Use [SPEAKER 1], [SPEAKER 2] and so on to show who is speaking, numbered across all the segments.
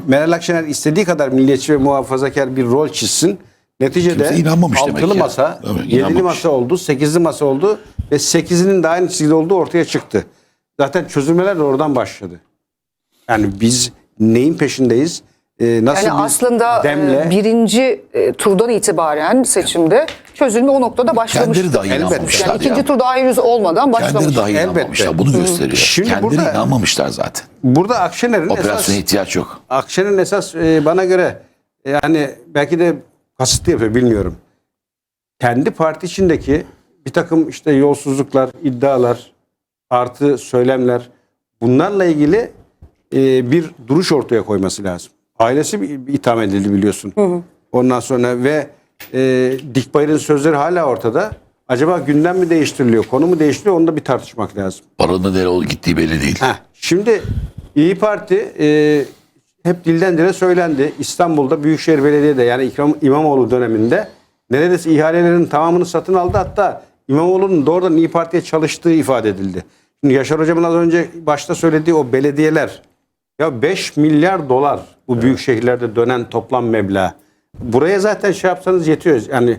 [SPEAKER 1] Meral Akşener istediği kadar milliyetçi ve muhafazakar bir rol çizsin. Neticede
[SPEAKER 2] Kimse inanmamış demek
[SPEAKER 1] altılı
[SPEAKER 2] ya.
[SPEAKER 1] masa,
[SPEAKER 2] Evet,
[SPEAKER 1] yedili
[SPEAKER 2] inanmamış.
[SPEAKER 1] masa oldu, sekizli masa oldu ve sekizinin de aynı çizgide olduğu ortaya çıktı. Zaten çözülmeler de oradan başladı. Yani biz neyin peşindeyiz? Nasıl
[SPEAKER 3] Yani
[SPEAKER 1] bir
[SPEAKER 3] aslında
[SPEAKER 1] demle
[SPEAKER 3] birinci turdan itibaren seçimde çözülme o noktada başlamış.
[SPEAKER 2] Kendileri dahi
[SPEAKER 1] Elbette.
[SPEAKER 2] inanmamışlar
[SPEAKER 3] Yani ikinci
[SPEAKER 2] ya.
[SPEAKER 3] tur daha henüz olmadan başlamış.
[SPEAKER 2] Kendileri dahi
[SPEAKER 1] Elbette.
[SPEAKER 2] inanmamışlar. Bunu gösteriyor.
[SPEAKER 1] Şimdi
[SPEAKER 2] Kendileri
[SPEAKER 1] burada-
[SPEAKER 2] inanmamışlar zaten.
[SPEAKER 1] burada Akşener'in
[SPEAKER 2] Operasyona ihtiyaç yok.
[SPEAKER 1] Akşener'in esas bana göre yani belki de kasıtlı yapıyor bilmiyorum. Kendi parti içindeki bir takım işte yolsuzluklar, iddialar, artı söylemler bunlarla ilgili bir duruş ortaya koyması lazım. Ailesi bir itham edildi biliyorsun. Ondan sonra ve Dikbayır'ın sözleri hala ortada. Acaba gündem mi değiştiriliyor, konu mu değiştiriliyor onu da bir tartışmak lazım.
[SPEAKER 2] Paranın nereye gittiği belli değil.
[SPEAKER 1] Şimdi İyi Parti hep dilden dile söylendi. İstanbul'da Büyükşehir Belediye'de yani İmamoğlu döneminde neredeyse ihalelerin tamamını satın aldı. Hatta İmamoğlu'nun doğrudan İyi Parti'ye çalıştığı ifade edildi. Şimdi Yaşar Hocam'ın az önce başta söylediği o belediyeler ya 5 milyar dolar bu büyük şehirlerde dönen toplam meblağ. Buraya zaten şey yapsanız yetiyor. Yani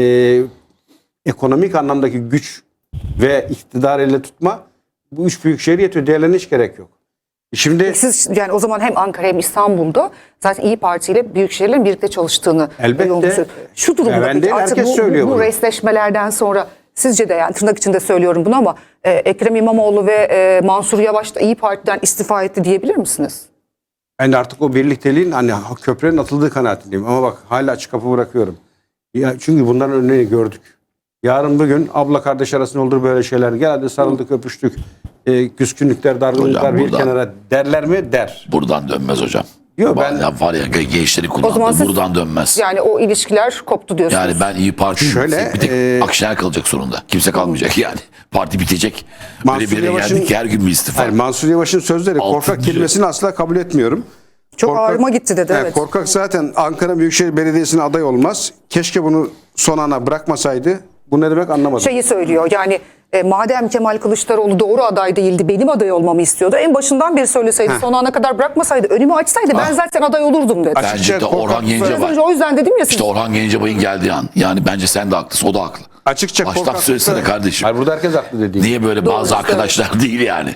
[SPEAKER 1] ekonomik anlamdaki güç ve iktidar elle tutma bu üç büyük şehir yetiyor. Diğerlerine hiç gerek yok. Şimdi
[SPEAKER 3] Siz yani o zaman hem Ankara hem İstanbul'da zaten İyi Parti ile büyük şehirlerin birlikte çalıştığını
[SPEAKER 1] Elbette.
[SPEAKER 3] yolunu söylüyor. Şu durumda
[SPEAKER 1] Ben
[SPEAKER 3] peki
[SPEAKER 1] değil,
[SPEAKER 3] artık
[SPEAKER 1] herkes söylüyor
[SPEAKER 3] bu
[SPEAKER 1] bunu.
[SPEAKER 3] resleşmelerden sonra sizce de yani tırnak içinde söylüyorum bunu ama Ekrem İmamoğlu ve Mansur Yavaş da İyi Parti'den istifa etti diyebilir misiniz?
[SPEAKER 1] ben de artık o birlikteliğin hani köprünün atıldığı kanaatindeyim. Ama bak hala açık kapı bırakıyorum. Ya, çünkü bunların örneğini gördük. Yarın bugün abla kardeş arasında olur böyle şeyler. Gel hadi sarıldık öpüştük. Küskünlükler, dargınlıklar
[SPEAKER 2] Hocam
[SPEAKER 1] bir
[SPEAKER 2] buradan-
[SPEAKER 1] kenara derler mi? Der.
[SPEAKER 2] Buradan dönmez hocam.
[SPEAKER 1] Yok, ben-
[SPEAKER 2] Ya var ya gençleri
[SPEAKER 3] O zaman
[SPEAKER 2] kullandı.
[SPEAKER 3] siz-
[SPEAKER 2] Buradan dönmez.
[SPEAKER 3] Yani o ilişkiler koptu diyorsunuz.
[SPEAKER 2] Yani ben İyi Parti
[SPEAKER 1] Şöyle,
[SPEAKER 2] bir tek Akşener kalacak sonunda. Kimse kalmayacak yani. Parti bitecek. Böyle
[SPEAKER 1] Mansur
[SPEAKER 2] bir yere
[SPEAKER 1] Yavaş'ın-
[SPEAKER 2] geldik ki her gün bir istifa.
[SPEAKER 1] Hayır, Mansur Yavaş'ın sözleri
[SPEAKER 2] Altın
[SPEAKER 1] korkak
[SPEAKER 2] diyor.
[SPEAKER 1] kelimesini asla kabul etmiyorum.
[SPEAKER 3] Çok ağrıma gitti dedi, evet.
[SPEAKER 1] Korkak zaten Ankara Büyükşehir Belediyesi'ne aday olmaz. Keşke bunu son ana bırakmasaydı. Bu ne demek anlamadım.
[SPEAKER 3] Şeyi söylüyor yani madem Kemal Kılıçdaroğlu doğru aday değildi benim aday olmamı istiyordu. En başından beri söyleseydi son ana kadar bırakmasaydı önümü açsaydı ben zaten aday olurdum dedi.
[SPEAKER 1] Açık-
[SPEAKER 2] Bence de Orhan
[SPEAKER 3] Biraz
[SPEAKER 2] Gencebay.
[SPEAKER 3] önce o yüzden dedim ya siz.
[SPEAKER 2] İşte Orhan Gencebay'ın geldiği an. Yani bence sen de haklısın. O da haklı.
[SPEAKER 1] Açıkça
[SPEAKER 2] Baştan
[SPEAKER 1] korkaklıkta-
[SPEAKER 2] söylesene kardeşim.
[SPEAKER 1] Hayır, burada herkes haklı dediğim.
[SPEAKER 2] Niye böyle
[SPEAKER 3] Doğru,
[SPEAKER 2] bazı
[SPEAKER 3] evet.
[SPEAKER 2] arkadaşlar değil yani.